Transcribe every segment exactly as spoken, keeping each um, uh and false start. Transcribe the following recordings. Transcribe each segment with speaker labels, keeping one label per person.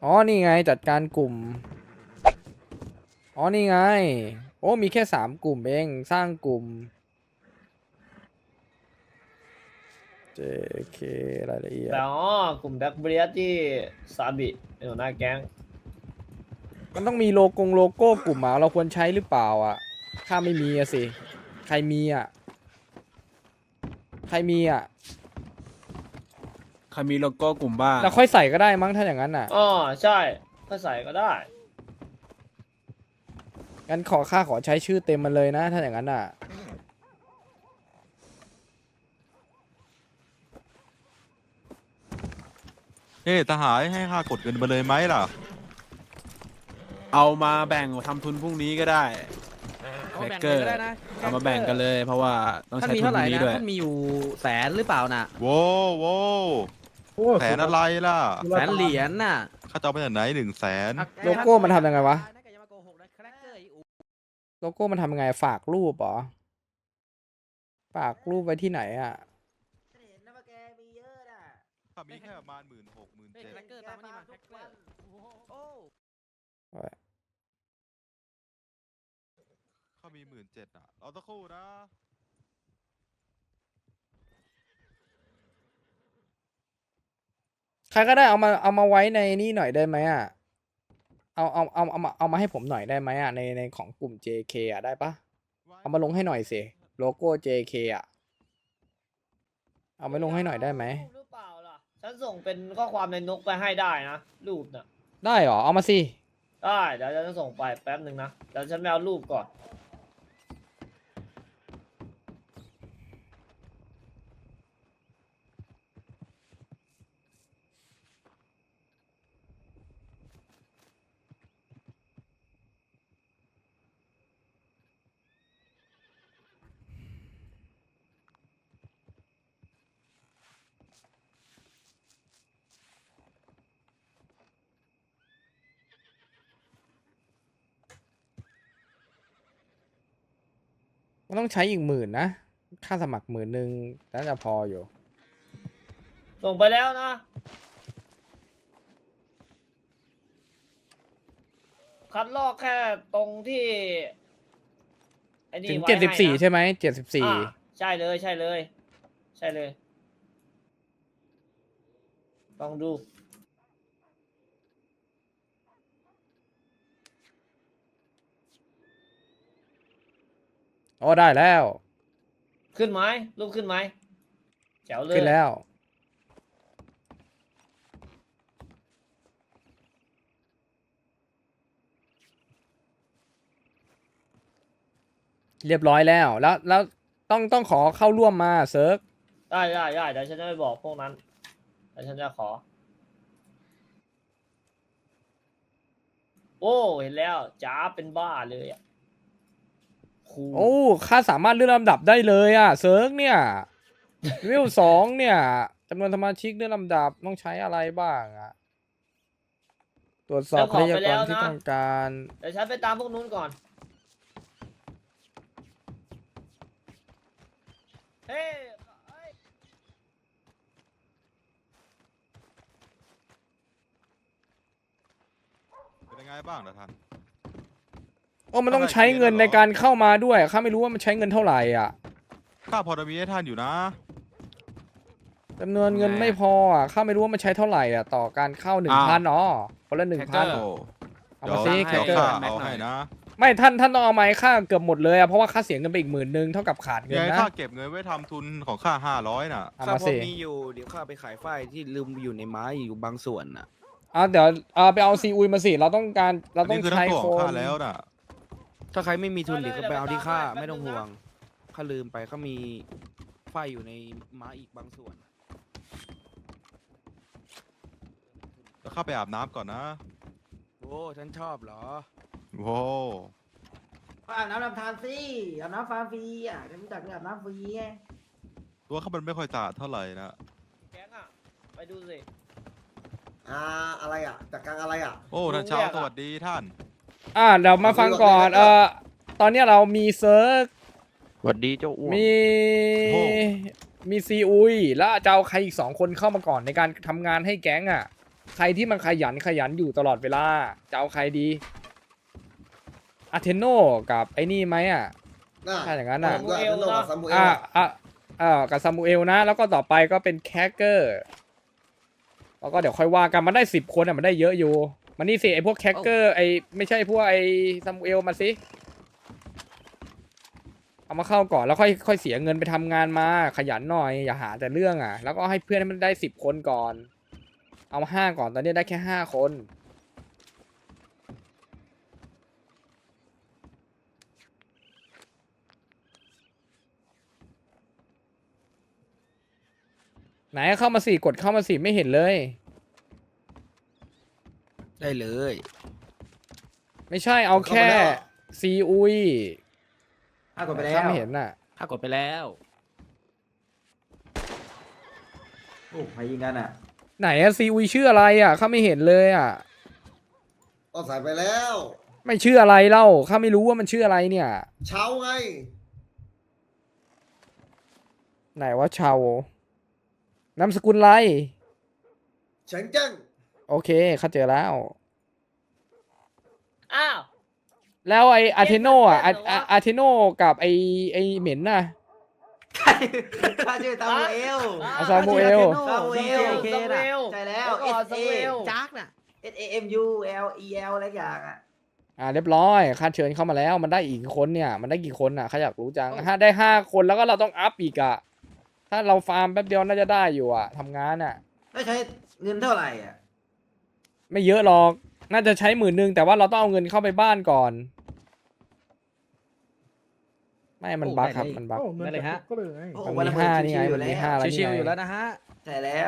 Speaker 1: อ๋อนี่ไงจัดการกลุ่มอ๋อนี่ไงโอ้มีแค่สามกลุ่มเองสร้างกลุ่ม เจ เค รายละเอียด
Speaker 2: แต่อ๋อกลุ่มแบ็คเบียที่ซาบิเป็นหัวหน้าแก๊ง
Speaker 1: มันต้องมีโลโก้โลโก้กลุ่มอ่ะเราควรใช้หรือเปล่าอ่ะข้าไม่มีอะสิใครมีอ่ะใครมีอ่ะ
Speaker 3: ใครมีโลโก้กลุ่มบ้าง
Speaker 1: เราค่อยใส่ก็ได้มั้งถ้าอย่างนั้นอ่ะ
Speaker 2: อ๋อใช่ถ้าใส่ก็ได้
Speaker 1: งั้นขอข้าขอใช้ชื่อเต็มมันเลยนะถ้าอย่างนั้นอ่ะ
Speaker 4: เฮ้ทหารให้ข้ากดเงินมาเลยไหมล่ะ
Speaker 3: เอามาแบ่งทำทุนพรุ่งนี้ก็ได้
Speaker 5: เอา
Speaker 3: แค
Speaker 5: แบ่ง
Speaker 3: เก
Speaker 5: เล
Speaker 3: อย ร์
Speaker 5: ก็ได้นะ
Speaker 3: เอามาแบ่งกันเลย เพราะว่าต้อง
Speaker 5: ท่าน
Speaker 3: ใช้
Speaker 5: มี
Speaker 3: ทุน
Speaker 5: เท่า
Speaker 3: พ
Speaker 5: ไหร่
Speaker 3: รุ่งนี้
Speaker 5: นะ
Speaker 3: ด้วย
Speaker 5: ท่านมีอยู่แสนหรือเปล่าน่ะ
Speaker 4: โว้โว้แสนอะไรล่ะ
Speaker 5: แสนเหรียญน่ะ
Speaker 4: ข้าจะเอาไปจากไหนหนึ่งแสน
Speaker 1: โลโก้มันทำยังไงวะ โลโก้มันทำยังไงฝากรูปเหรอฝากรูปไว้ที่ไหนอ่ะ
Speaker 4: ข้ามีแค่ประมาณหมื่นหกหมื่น
Speaker 5: เฮ้ย
Speaker 4: เจ็ด
Speaker 5: แครกเกอร์ตามมานี่มาแครกเกอร์โอ้
Speaker 4: ข้ามีหมื่นเจ็ดอ่ะเอาตะคู่นะ
Speaker 1: ใครก็ได้เอามาเอามาไว้ในนี่หน่อยได้ไหมอ่ะเอาเอาเอาเอามาเอามาให้ผมหน่อยได้ไหมอ่ะในในของกลุ่ม เจ เค อ่ะได้ปะเอามาลงให้หน่อยสิโลโก้ เจ เค อ่ะเอามาลงให้หน่อยได้ไหม
Speaker 2: รูปหรือเปล่าล่ะฉันส่งเป็นข้อความในนกไปให้ได้นะรูปน่ะ
Speaker 1: ได้เหรอเอามาสิ
Speaker 2: ได้เดี๋ยวฉันจะส่งไปแป๊บหนึ่งนะเดี๋ยวฉันไปเอารูปก่อน
Speaker 1: มันต้องใช้อีกหมื่นนะค่าสมัครหมื่นหนึ่งน่าจะพออยู่
Speaker 2: ส่งไปแล้วนะคัดลอกแค่ตรงที่ไอ้นี่
Speaker 1: ถึง
Speaker 2: ไว้
Speaker 1: เจ็ดสิบสี่
Speaker 2: ให้นะ
Speaker 1: ใช่ไหมเจ็ดสิบสี่
Speaker 2: อ่าใช่เลยใช่เลย ใช่เลยลองดู
Speaker 1: อ๋อได้แล้ว
Speaker 2: ขึ้นไหมรูปขึ้นไหมแจ๋วเลย
Speaker 1: ขึ้นแล้ว เรียบร้อยแล้ว แล้วแล้วต้องต้องขอเข้าร่วมมาเซิร์ฟ
Speaker 2: ได้ได้ได้เดี๋ยวฉันจะไปบอกพวกนั้นเดี๋ยวฉันจะขอ โอ้เห็นแล้วจ้าเป็นบ้าเลยอ่ะคู
Speaker 1: โอ้ค่าสามารถเลื่อนลำดับได้เลยอ่ะเซิร์ฟเนี่ยวิวสองเนี่ยจำนวนสมาชิกเลื่อนลำดับต้องใช้อะไรบ้างอ่ะตรวจสอบทรัพยากรที่ต้องการ
Speaker 2: เดี๋ยวฉันไปตามพวกนู้นก่อนเฮ้ยเอ้ย
Speaker 4: เป็นยังไงบ้างนะท่าน
Speaker 1: โอ้มันต้องใช้เงินในการเข้ามาด้วยข้าไม่รู้ว่ามันใช้เงินเท่าไหร่อ่ะ
Speaker 4: ข้าพอจะมีให้ท่านอยู่นะ
Speaker 1: จำนวนเงินไม่พออ่ะข้าไม่รู้ว่ามันใช้เท่าไหร่อ่ะต่อการเข้าหนึ่งพันอ๋อคนละหนึ่งพัน
Speaker 4: โอ้
Speaker 1: เอา
Speaker 4: เดี๋ย
Speaker 1: มาว ซิแค
Speaker 4: เดี๋ยว
Speaker 1: เกอ
Speaker 4: ข้า
Speaker 1: ร์
Speaker 4: เอาให้นะ
Speaker 1: ไม่ท่านท่านต้องเอาไม้ค่าเกือบหมดเลยอ่ะเพราะว่าค่าเสียเงินไปอีกหมื่นหนึ่งเท่ากับขาดเงิ
Speaker 4: ยั
Speaker 1: น
Speaker 4: งไง
Speaker 1: นะ
Speaker 4: ข้าเก็บเงินไว้ทำทุนของข้าห้าร้อยน่ะ
Speaker 1: เอา
Speaker 6: ข้า
Speaker 1: มา
Speaker 6: พอ
Speaker 1: สิ
Speaker 6: มีอยู่เดี๋ยวข้าไปขายฝ้ายที่ลืมอยู่ในไม้อยู่บางส่วนน่ะ
Speaker 1: เอาเดี๋ยวเอาไปเอาซีอุยมาสิเราต้องการเราต้อง
Speaker 4: นี่คือ
Speaker 1: ใช้
Speaker 4: ทั้งตัว
Speaker 1: ค
Speaker 4: ของข้าน แล้วน่ะ
Speaker 6: ถ้าใครไม่มีทุนเดี๋ยวก็ไปเอาที่ข้าไม่ต้องห่วงข้าลืมไปข้ามีฝ้ายอยู่ในไม้อีกบางส่วน
Speaker 4: แล้วข้าไปอาบน้ำก่อนนะ
Speaker 6: โอ้ฉันชอบเหรอ
Speaker 4: โว้
Speaker 7: อาบน้ำลำธารสิอาบน้ำฟาฟรีอ่ะจะรู้จักเรื่องอาบน้ำฟรีไง
Speaker 4: ตัวข้ามันไม่ค่อยสะอาดเท่าไหร่นะ
Speaker 2: แก๊งอ่ะ ไปดูสิ
Speaker 8: อ่าอะไรอ่ะจากกลางอะไรอ่ะ
Speaker 4: โอ้ท่านเช้าสวัสดีท่าน
Speaker 1: อ่าเดี๋ยวมาฟังก่อนเอ่อตอนเนี้ยเรามีเซิร์ฟ
Speaker 6: สวัสดีเจ้าอ้วน
Speaker 1: มี
Speaker 4: โอ้
Speaker 1: มีซีอุยแล้วจะเอาใครอีกสองคนเข้ามาก่อนในการทำงานให้แก๊งอ่ะใครที่มันขยันขยันอยู่ตลอดเวลาจะเอาใครดีอาเทโนกับไอ้นี่ไหมอ่ะ
Speaker 8: น่ะ
Speaker 1: ถ้าอย่างนั้นน่ะ
Speaker 8: ผมก็อาจจะโลกกับซามูเอล
Speaker 1: อ่า
Speaker 8: อะ
Speaker 1: อ่าอ่ากับซามูเอลนะ แล้วก็ต่อไปก็เป็นแคคเกอร์แล้วก็เดี๋ยวค่อยว่ากันมันได้สิบคนอ่ะมันได้เยอะอยู่มันนี่สิไอพวกแคคเกอร์ไอไม่ใช่พวกไอซามูเอลมาสิเอามาเข้าก่อนแล้วค่อยค่อยเสียเงินไปทำงานมาขยันหน่อยอย่าหาแต่เรื่องอ่ะแล้วก็ให้เพื่อนให้มันได้สิบคนก่อน เอามาห้าก่อนตอนนี้ได้แค่ห้าคนไหนเข้ามาสิกดเข้ามาสิไม่เห็นเลย
Speaker 6: ได้เลย
Speaker 1: ไม่ใช่เอาแค่ซีอุย
Speaker 7: อ่ะกดไปแล้ว
Speaker 1: ถ้าไม่เห็นน่ะ
Speaker 5: ถ้ากดไปแล้ว
Speaker 7: โอ้ใครยิงกันอ่ะ
Speaker 1: ไหนอะซีอุยชื่ออะไรอ่ะข้าไม่เห็นเลยอ่ะ
Speaker 8: ก็ใส่ไปแล้ว
Speaker 1: ไม่ชื่ออะไรเล่าข้าไม่รู้ว่ามันชื่ออะไรเนี่ย
Speaker 8: เช้าไง
Speaker 1: ไหนว่าชาวนามสกุลอะไร
Speaker 8: เฉิงเจิ้ง
Speaker 1: โอเคข้าเจอแล้ว
Speaker 2: อ้าว
Speaker 1: แล้วไออาเทโนอ่ะ
Speaker 2: เอ๊ะมันเป็นเหรอวะ
Speaker 1: อาเทโนกับไอไอเหม็นน่ะ
Speaker 7: ใครข้าชื่อซามูเอล
Speaker 2: อ่ะ
Speaker 1: ซามูเอล
Speaker 7: ซามูเอล
Speaker 5: โอเค
Speaker 2: ซามู
Speaker 5: น่ะ
Speaker 2: เอล
Speaker 7: ใช่แล้ว
Speaker 2: ก่อน
Speaker 7: S
Speaker 2: ซา
Speaker 7: A
Speaker 2: มูเอล
Speaker 5: จักน่ะ
Speaker 7: S A M U L E L อะไรอย่างอ่ะ
Speaker 1: อ่าเรียบร้อยข้าเชิญเข้ามาแล้วมันได้อีกคนเนี่ยมันได้กี่คนอ่ะข้าอยากรู้จังถ้าได้ห้าคนแล้วก็เราต้องอัพอีกอ่ะถ้าเราฟาร์มแป๊บเดียวน่าจะได้อยู่อ่ะทำงานอ่ะ
Speaker 7: ได้ใช้เงินเท่าไหร่อ่ะ
Speaker 1: ไม่เยอะหรอก น่าจะใช้หมื่นหนึ่งแต่ว่าเราต้องเอาเงินเข้าไปบ้านก่อน ไม่ มันบั๊กครับ มันบั๊ก
Speaker 5: ได้เลยฮะ
Speaker 7: โอ้
Speaker 1: มัน
Speaker 7: วัน
Speaker 1: มี
Speaker 7: ละ
Speaker 1: ห้า
Speaker 7: หมื่
Speaker 1: นี่ไง
Speaker 7: ชิวๆอยู่
Speaker 1: มันมี
Speaker 7: แล้ว
Speaker 1: ห้าแล้ว
Speaker 5: ชิวๆ
Speaker 1: นี่
Speaker 5: อยู่
Speaker 1: ไง
Speaker 5: แล้วนะฮะ
Speaker 7: ใช่แล้ว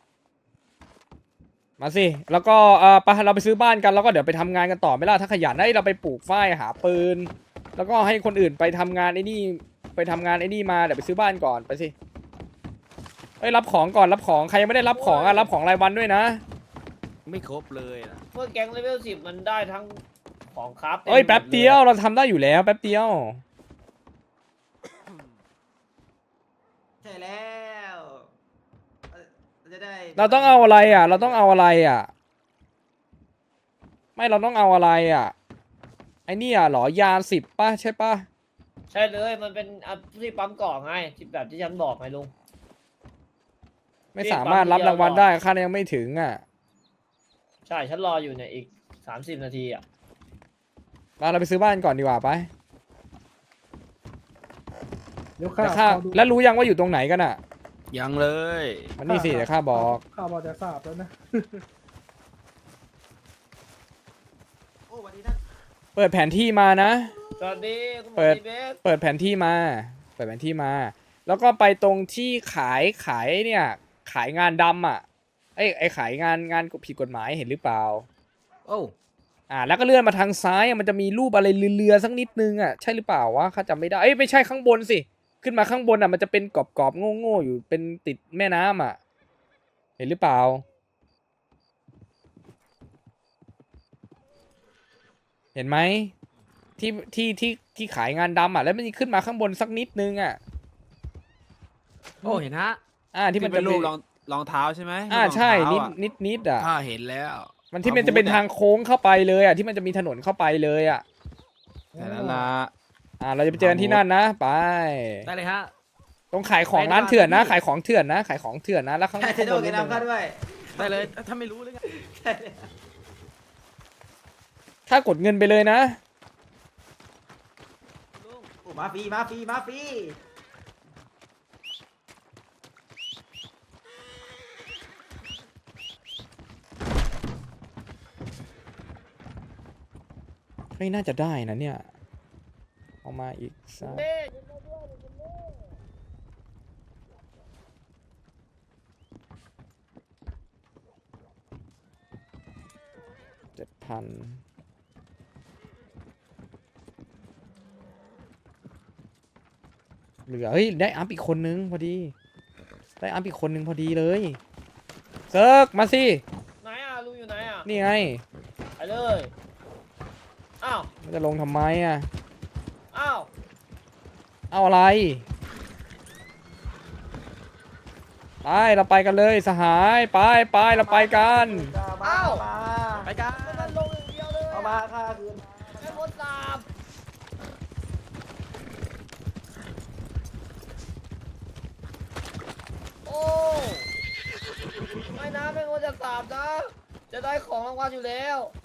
Speaker 1: มาสิ แล้วก็เออไปเราไปซื้อบ้านกัน แล้วก็เดี๋ยวไปทำงานกันต่อไหม่ล่ะถ้าขยันได้เราไปปลูกฝ้ายหาปืน แล้วก็ให้คนอื่นไปทำงานไอ้นี่ ไปทำงานไอ้นี่มา เดี๋ยวไปซื้อบ้านก่อน ไปสิเอ้ย รับของก่อน รับของ ใครยังไม่ได้รับของอ่ะ รับของรายวันด้วยนะ
Speaker 6: ไม่ครบเลยนะ
Speaker 2: เมื่อแก๊งเลเวลสิบมันได้ทั้งของครับต็ม
Speaker 1: เอ้ย แป๊บ
Speaker 2: หมล
Speaker 1: เดียว เราทำได้อยู่แล้ว แป๊บเดียว
Speaker 7: ใช่แล้วเราจะได้
Speaker 1: เราต้องเอาอะไรอ่ะ เราต้องเอาอะไรอ่ะ ไม่เราต้องเอาอะไรอ่ะ ไอ้นี่อ่ะเหรอยาสิบป่ะใช่ป่ะ
Speaker 2: ใช่เลยมันเป็นอันที่ปั๊มก่อไงที่แบบที่ฉันบอกไงลุง
Speaker 1: ไม่สามารถรับรางวัลได้ค่ายังไม่ถึงอ่ะ
Speaker 2: ใช่ฉันรออยู่เนี่ยอีกสามสิบนาทีอ่ะ
Speaker 1: มาเราไปซื้อบ้านก่อนดีกว่าไปแต่ค่าแล้วรู้ยังว่าอยู่ตรงไหนกันอ่ะ
Speaker 6: ยังเลย
Speaker 1: มันนี่สิเดี๋ยวข้าบอก
Speaker 9: ข้าบอกจะทราบแล้วนะ
Speaker 7: โอ้วันนี้ท่าน
Speaker 1: เปิดแผนที่มานะ
Speaker 2: สวัสดีคุณหมอ
Speaker 1: เปิด
Speaker 2: ดีเบส
Speaker 1: เปิดแผนที่มา เปิดแผนที่มา แล้วก็ไปตรงที่ขายขายเนี่ย ขายงานดำอ่ะไอ้ไอ้ขายงานงานผิดกฎหมายเห็นหรือเปล่า
Speaker 6: โอ้
Speaker 1: อ่า แล้วก็เลื่อนมาทางซ้ายอะมันจะมีรูปอะไรเรือๆสักนิดนึงอ่ะใช่หรือเปล่าวะข้าจำไม่ได้เอ้ยไม่ใช่ข้างบนสิ ขึ้นมาข้างบนอ่ะมันจะเป็นกรอบๆโง่ๆอยู่เป็นติดแม่น้ำอ่ะ เห็นหรือเปล่า เห็นไหมที่ที่ที่ที่ขายงานดำอ่ะ แล้วมันขึ้นมาข้างบนสักนิดนึงอ่ะ
Speaker 5: โอ้เห็นฮะ
Speaker 1: อ่าที่
Speaker 3: ที่
Speaker 1: มั
Speaker 3: มัน นเป็น
Speaker 1: จะ
Speaker 3: รู
Speaker 1: มี
Speaker 3: ปรองรองเท้าใช่ไหม
Speaker 1: อ่า
Speaker 3: รูปรอง
Speaker 1: ใช่นิด
Speaker 3: เท้าอะ
Speaker 1: นิดนิดอ่ะ
Speaker 6: ข้าเห็นแล้ว
Speaker 1: มันที่มันจะเป็นทางโค้งเข้าไปเลยอ่ะที่มันจะมีถนนเข้าไปเลยอ่ะ
Speaker 3: แต่ละละ
Speaker 1: อ่าเราจะไปเจอกันที่นั่นนะไป
Speaker 5: ได้เลยฮะ
Speaker 1: ตรงขายของร้านเถื่อนนะ ขายของเถื่อนนะ ขายของเถื่อนนะแล้วข้าง
Speaker 7: ใช่
Speaker 1: ข้าง
Speaker 7: โด
Speaker 1: บ
Speaker 7: น
Speaker 1: น
Speaker 7: กั
Speaker 1: นิ
Speaker 7: น
Speaker 1: ดนึง
Speaker 7: น้ำข้าด้วย
Speaker 5: ได้เลย ถ้าไม่รู้เลยไง
Speaker 7: ใช่แล้ว
Speaker 1: ถ้ากดเงินไปเลยนะ
Speaker 7: โอ้มาฟรีมาฟรีมาฟรี
Speaker 1: เฮ้ยน่าจะได้นะเนี่ยเอามาอีกสัก
Speaker 2: เบ้
Speaker 1: เจ็ดพันเหลือเฮ้ยได้อัพอีกคนนึงพอดี ได้อัพอีกคนนึงพอดีเลยเซิร์กมาสิ
Speaker 2: ไหนอ่ะลุงอยู่ไหนอ่ะ
Speaker 1: นี่ไง
Speaker 2: ไปเลยอ้าว
Speaker 1: มันจะลงทำไมอ่ะ
Speaker 2: อ้าว
Speaker 1: เอาอะไรไปเราไปกันเลยสหายไปไปเราไปกัน
Speaker 2: เอ้า
Speaker 5: ไปกัน
Speaker 2: มันลงอย่างเดียวเลย
Speaker 7: เอามาค่าคืน
Speaker 2: ไอ้คนสาบโอ้ไม่นะไม่ควรจะสาบนะ จะได้ของรางวัลอยู่แล้ว